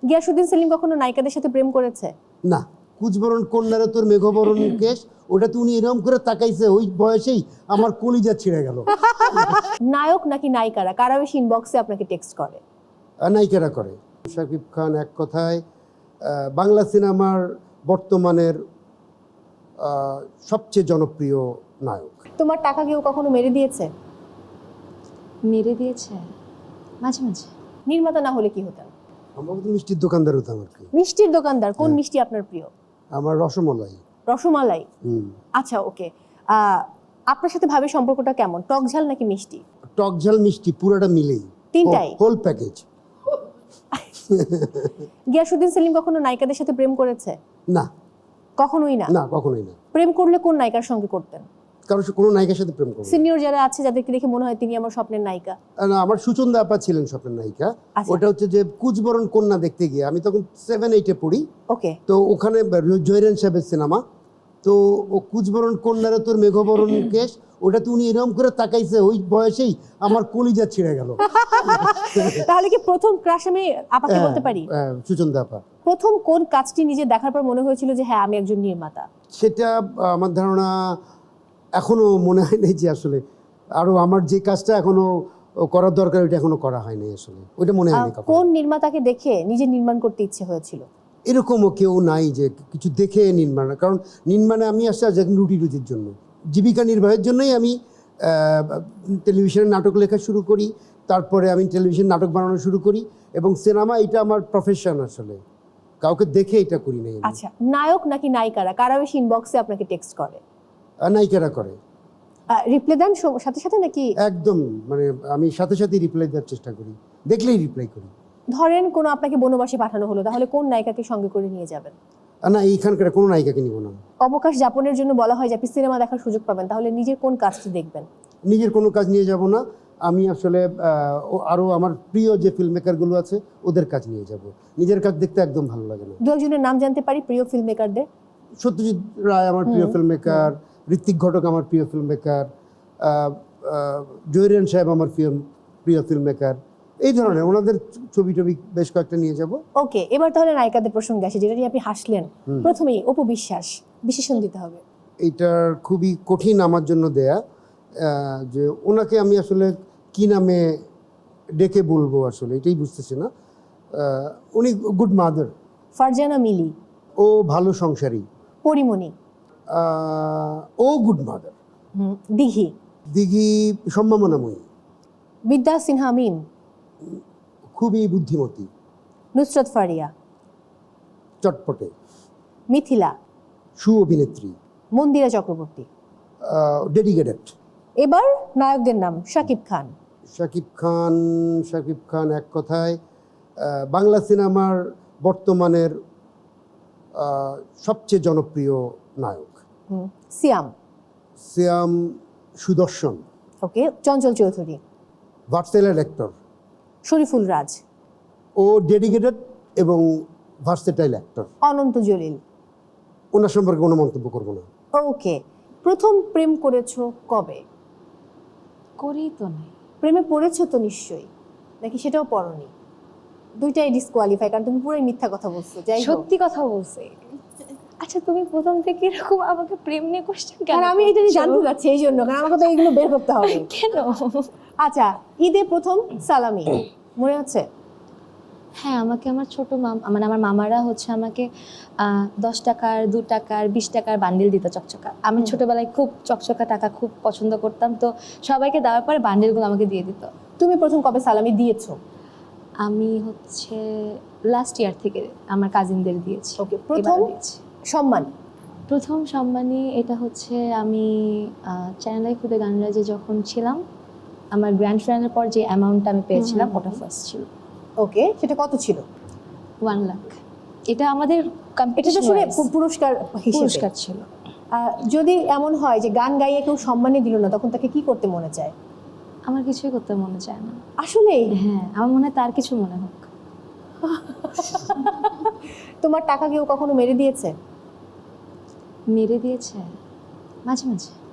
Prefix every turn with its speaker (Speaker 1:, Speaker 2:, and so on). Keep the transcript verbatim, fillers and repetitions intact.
Speaker 1: গিয়াসউদ্দিন সেলিম কখনো নায়িকাদের সাথে প্রেম করেছে?
Speaker 2: না। কুচবরণ কন্যারা তোর মেঘবরণ কেশ, ওটাতে উনি এরকম করে তাকাইছে, ওই বয়সেই আমার কলিজা ছিঁড়ে গেল।
Speaker 1: নায়ক নাকি নায়িকারা কারা বেশি ইনবক্সে আপনাকে টেক্সট করে?
Speaker 2: নায়িকারা করে। শাকিব খান এক কথায় আহ, বাংলা সিনেমার বর্তমানের আহ, সবচেয়ে জনপ্রিয় নায়ক।
Speaker 1: তোমার টাকা কেউ কখনো মেরে দিয়েছে?
Speaker 3: মেরে দিয়েছে মাঝে মাঝে।
Speaker 1: নির্মাতা না হলে কি হতেন?
Speaker 2: আমরা তো মিষ্টির দোকানদার হতাম আর কি।
Speaker 1: মিষ্টির দোকানদার। কোন মিষ্টি আপনার প্রিয়?
Speaker 2: আমার রসমলাই।
Speaker 1: রসমালাই।
Speaker 2: হুম।
Speaker 1: আচ্ছা, ওকে। আপনার সাথে ভাবে সম্পর্কটা কেমন, টক ঝাল নাকি মিষ্টি?
Speaker 2: টক ঝাল মিষ্টি পুরোটা মিলেই,
Speaker 1: তিনটাই
Speaker 2: হোল প্যাকেজ।
Speaker 1: গিয়াসউদ্দিন সেলিম কখনো নায়িকাদের সাথে প্রেম করেছে?
Speaker 2: না।
Speaker 1: কখনোই না?
Speaker 2: না, কখনোই না।
Speaker 1: প্রেম করলে কোন নায়িকার সঙ্গে করতেন?
Speaker 2: কারণ কোনো নায়িকার সাথে প্রেম করবো।
Speaker 1: সিনিয়র যারা আছে যাদেরকে দেখে মনে হয় তিনি আমার স্বপ্নের নায়িকা।
Speaker 2: না, আমার সুচন্দা আপা ছিলেন স্বপ্নের নায়িকা।
Speaker 1: আচ্ছা।
Speaker 2: ওটা হচ্ছে যে কুচবরণ কন্যা দেখতে গিয়ে, আমি তখন সেভেন এইটে পড়ি।
Speaker 1: ওকে।
Speaker 2: তো ওখানে জয়রান সাহেবের সিনেমা, তো ও কুচবরণ কন্যারা তোর মেঘবরণ কেশ, ওটাতে উনি এরকম করে তাকাইছে, ওই বয়সেই আমার কলিজা ছিঁড়ে গেল।
Speaker 1: তাহলে কি প্রথম ক্রাশ আমি আপাকে বলতে পারি?
Speaker 2: হ্যাঁ, সুচন্দা আপা।
Speaker 1: প্রথম কোন কাজটি নিজে দেখার পর মনে হয়েছিল যে হ্যাঁ আমি একজন নির্মাতা?
Speaker 2: সেটা আমার ধারণা এখনো মনে হয় নাই যে আসলে আরো আমার যে কাজটা এখনো করার দরকার ওইটা এখনো করা হয়নি, আসলে ওইটা মনে হয়নি কখনো।
Speaker 1: কোন নির্মাতাকে দেখে নিজে নির্মাণ করতে ইচ্ছে হয়েছিল?
Speaker 2: এরকমও কেউ নাই যে কিছু দেখে নির্মাণ, কারণ নির্মাণে আমি আসছি আজ এখন রুটি রুটির জন্য, জীবিকা নির্বাহের জন্যই আমি টেলিভিশনে নাটক লেখা শুরু করি, তারপরে আমি টেলিভিশন নাটক বানানো শুরু করি, এবং সিনেমা এটা আমার প্রফেশন, আসলে কাউকে দেখে এটা করি নাই।
Speaker 1: আচ্ছা, নায়ক নাকি নায়িকারা কারা বেশি ইনবক্সে আপনাকে টেক্সট করে?
Speaker 2: নায়িকারা করে।
Speaker 1: রিপ্লাই দেন সাথে সাথে নাকি?
Speaker 2: একদম, মানে আমি সাথে সাথে রিপ্লাই দেওয়ার চেষ্টা করি, দেখলেই রিপ্লাই করি।
Speaker 1: ধরেন কোনো আপনাকে বনবাসে পাঠানো হলো, তাহলে কোন নায়িকাকে সঙ্গে করে নিয়ে যাবেন?
Speaker 2: না, এইখানকার কোনো নায়িকাকে নিব না।
Speaker 1: অবকাশ যাপনের জন্য বলা হয় যে আপনি সিনেমা দেখার সুযোগ পাবেন, তাহলে নিজের কোন কাজটি দেখবেন?
Speaker 2: নিজের কোনো কাজ নিয়ে যাব না, আমি আসলে আরও আমার প্রিয় যে ফিল্ম মেকারগুলো আছে ওদের কাজ নিয়ে যাব। নিজের কাজ দেখতে একদম ভালো লাগে না।
Speaker 1: দু একজনের নাম জানতে পারি প্রিয় ফিল্ম মেকারদের?
Speaker 2: সত্যজিৎ রায় আমার প্রিয় ফিল্ম মেকার, ঋত্বিক ঘটক আমার প্রিয় ফিল্ম মেকার, জয়রান সাহেব আমার প্রিয় ফিল্ম মেকার, এই ধরনের ওনাদের ছবি টবি বেশ কয়েকটা নিয়ে যাব।
Speaker 1: ওকে, এবার তাহলে নায়িকাদের প্রসঙ্গে আসে, যেটা নিয়ে আপনি হাসলেন। প্রথমেই অপু বিশ্বাস, বিশেষণ দিতে হবে।
Speaker 2: এইটার খুবই কঠিন আমার জন্য দেয়া, যে ওনাকে আমি আসলে কি নামে ডেকে বলবো, আসলে এটাই বুঝতেছি না। উনি গুড মাদার।
Speaker 1: ফারজানা মিলি?
Speaker 2: ও ভালো সংসারী।
Speaker 1: পরিমণি?
Speaker 2: ও গুড মাদার।
Speaker 1: দিঘি?
Speaker 2: দিঘি সম্ভাবনাময়ী।
Speaker 1: বিদ্যা সিনহা মিম?
Speaker 2: খুবই বুদ্ধিমতী।
Speaker 1: নুসরাত ফারিয়া?
Speaker 2: চটপটে।
Speaker 1: মিথিলা?
Speaker 2: সু অভিনেত্রী।
Speaker 1: মন্দিরা চক্রবর্তী?
Speaker 2: ডেডিকেটেড।
Speaker 1: এবার নায়কদের নাম। শাকিব খান?
Speaker 2: শাকিব খান শাকিব খান এক কথায় বাংলা সিনেমার বর্তমানের সবচেয়ে জনপ্রিয় নায়ক।
Speaker 1: সিয়াম?
Speaker 2: সিয়াম সুদর্শন।
Speaker 1: Okay. Chanchal Chowdhury?
Speaker 2: Versatile actor.
Speaker 1: Shariful Raz?
Speaker 2: ও ডেডিকেটেড এবং ভার্সেটাইল অ্যাক্টর।
Speaker 1: অনন্ত জলিল?
Speaker 2: ওনার সম্পর্কে কোনো মন্তব্য করবো না।
Speaker 1: ওকে। প্রথম প্রেম করেছো কবে?
Speaker 3: করি তো নাই।
Speaker 1: প্রেমে পড়েছো তো নিশ্চয়ই, নাকি সেটাও পড়নি? দুইটাই ডিসকোয়ালিফাই, কারণ তুমি পুরোই মিথ্যা কথা বলছো। যাই হোক,
Speaker 3: সত্যি কথা বলছে। আচ্ছা, তুমি প্রথম থেকে এরকম আমাকে প্রেম নিয়ে কোশ্চেন কেন?
Speaker 1: কারণ আমি এটা নিয়ে জানতে চাচ্ছি, এই জন্য, কারণ আমাকে তো এইগুলো বের করতে হবে।
Speaker 3: কেন?
Speaker 1: আচ্ছা, ঈদে প্রথম সালামি মনে হচ্ছে?
Speaker 3: হ্যাঁ, আমাকে আমার ছোট মাম মানে আমার মামারা হচ্ছে আমাকে দশ টাকার, দু টাকার, বিশ টাকার বান্ডিল দিত, চকচকা। আমি ছোটবেলায় খুব চকচকা টাকা খুব পছন্দ করতাম, তো সবাইকে দেওয়ার পরে বান্ডিলগুলো আমাকে দিয়ে দিত।
Speaker 1: তুমি প্রথম কবে সালামি দিয়েছো?
Speaker 3: আমি হচ্ছে লাস্ট ইয়ার থেকে আমার কাজিনদের দিয়েছি।
Speaker 1: ওকে। প্রথম সম্মান?
Speaker 3: প্রথম সম্মানী এটা হচ্ছে আমি চ্যানেল খুদে গানরাজে যখন ছিলাম, আমার গ্র্যান্ড ফিনালের পর যে অ্যামাউন্টটা আমি পেয়েছিলাম ওটা ফার্স্ট ছিল।
Speaker 1: ওকে, সেটা কত ছিল?
Speaker 3: ওয়ান লাখ। এটা আমাদের
Speaker 1: এটা আসলে পুরস্কার
Speaker 3: পুরস্কার ছিল।
Speaker 1: যদি এমন হয় যে গান গাইয়ে কেউ সম্মানই দিল না, তখন তাকে কি করতে মনে চায়?
Speaker 3: আমার কিছুই করতে মনে চায় না
Speaker 1: আসলে।
Speaker 3: হ্যাঁ, আমার মনে হয় তার কিছু মনে হোক।
Speaker 1: তোমার টাকা কেউ কখনো মেরে দিয়েছে?
Speaker 3: মেরে দিয়েছে মাঝে মাঝে।